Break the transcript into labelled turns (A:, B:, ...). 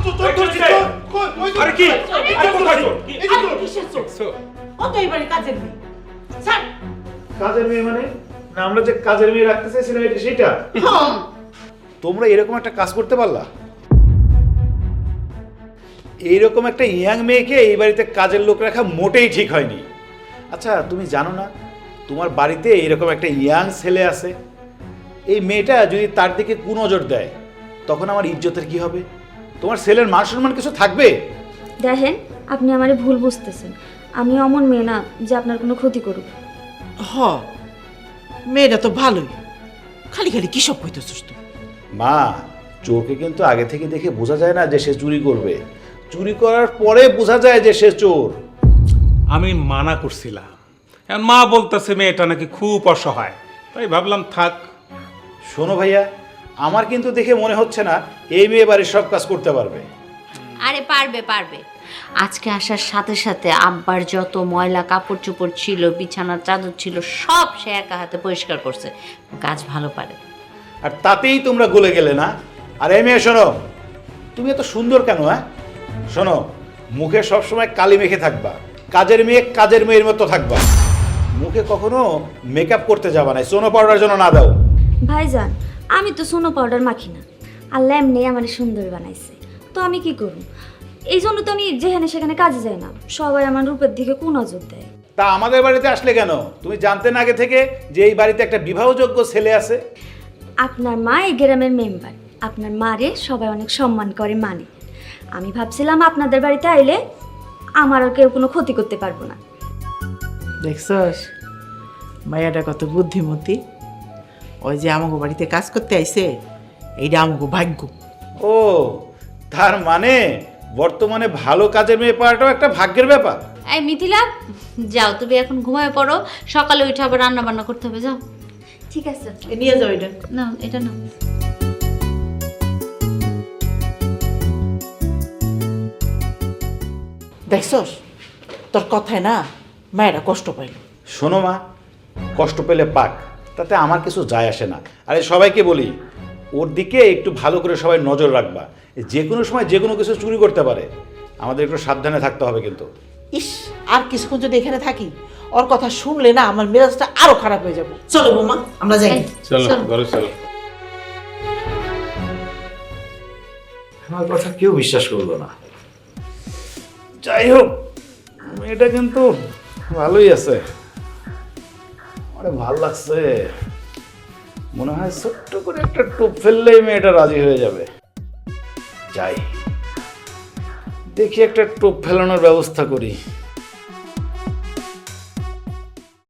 A: আরে কি কোথায় চোর?
B: কিসের চোর? ও তো এবারে কাজের মেয়ে। স্যার,
C: কাজের মেয়ে মানে? না আমরা যে কাজের মেয়ে রাখতে চাইছিলাম এটা সেটা? তোমরা এরকম একটা কাজ করতে পারলা? এইরকম একটা ইয়াং মেয়েকে এই বাড়িতে কাজের লোক রাখা মোটেই ঠিক হয়নি। আচ্ছা তুমি জানো না তোমার বাড়িতে এরকম একটা ইয়াং ছেলে আছে, এই মেয়েটা যদি তার দিকে কুনজর দেয় তখন আমার ইজ্জতের কি হবে? তোমার ছেলের মান সম্মান কিছু থাকবে?
D: দেখেন, আপনি আমারে ভুল বুঝতেছেন। আমি অমন মেয়ে না যে আপনার কোনো ক্ষতি করুক।
B: হ, মেয়েটা তো ভালোই, খালি খালি কি সব কইতেছিস তুই?
C: মা, চোরকে কিন্তু আগে থেকে দেখে বোঝা যায় না যে সে চুরি করবে, চুরি করার পরে বোঝা যায় যে সে চোর।
A: আমি মানা করছিলাম, এখন মা বলতেছে মেয়েটা নাকি খুব অসহায়, তাই ভাবলাম থাক।
C: শোনো ভাইয়া, আমার কিন্তু দেখে মনে হচ্ছে না এই মেয়ে বাড়ির সব কাজ করতে পারবে।
E: আরে পারবে পারবে। আজকে আসার সাথে সাথে আব্বার যত ময়লা কাপড় চোপড় ছিল, বিছানার চাদর ছিল, সব সে একা হাতে পরিষ্কার করছে। কাজ ভালো পারে।
C: আর তাতেই তোমরা গলে গেলে না? আর এই মেয়ে শোনো, তুমি এত সুন্দর কেন? শোনো, মুখে সবসময় কালি মেখে থাকবা, কাজের মেয়ের মতো থাকবা, মুখে কখনো মেকআপ করতে যাবা না, সোনো পাউডার জন্য না দাও।
D: ভাইজান, আমি তো সোনো পাউডার মাখি না, আল্লাহ এমনি আমার সুন্দর বানাইছে, তো আমি কি করব? এই জন্য তো আমি যেখানে সেখানে কাজে যাই না, সবাই আমার রূপের দিকে কুনজর দেয়।
C: তা আমাদের বাড়িতে আসলে কেন? তুমি জানতে না আগে থেকে যে এই বাড়িতে একটা বিবাহযোগ্য ছেলে আছে?
D: আপনার মা এই গ্রামের মেম্বার, আপনার মারে সবাই অনেক সম্মান করে মানে। আমি ভাবছিলাম আপনাদের বাড়িতে আইলে আমার আর কেউ কোনো ক্ষতি করতে পারবো না।
B: দেখছস মায়াটা কত বুদ্ধিমতী। ওই যে আমাকে বাড়িতে কাজ করতে আইছে, এইটা আমাকে ভাগ্য।
C: ও, তার মানে বর্তমানে ভালো কাজের মেয়ে পাওয়াটাও একটা ভাগ্যের ব্যাপার।
E: এই মিথিলা, যাও তুমি এখন ঘুমায় পড়ো, সকালে উঠে আবার রান্না বান্না করতে হবে। যাও।
D: ঠিক আছে,
B: নিয়ে যাও এটা।
E: না, এটা না।
B: দেখছস তোর কথায় না মায়েরা কষ্ট পাইল।
C: শোনো মা, কষ্ট পেলে পাক, তাতে আমার কিছু যায় আসে না। আরে সবাইকে বলি, ওর দিকে একটু ভালো করে সবাই নজর রাখবা, যে কোনো সময় যে কোনো কিছু চুরি করতে পারে, আমাদের একটু সাবধানে থাকতে হবে কিন্তু।
B: ইস, আর কিছুক্ষণ যদি এখানে থাকি, ওর কথা শুনলে না আমার মেজাজটা আরো খারাপ হয়ে যাবে। চলো বৌমা, আমরা যাই।
A: চলো ঘরে চলো।
C: আমার কথা কেউ বিশ্বাস করলো না। যাই হোক, মেয়েটা কিন্তু ভালোই আছে, আমার ভালো লাগছে। মনে হয় ছোট্ট করে একটা টোপ ফেললেই মেয়েটা রাজি হয়ে যাবে। যাই দেখি, একটা টোপ ফেলানোর ব্যবস্থা করি।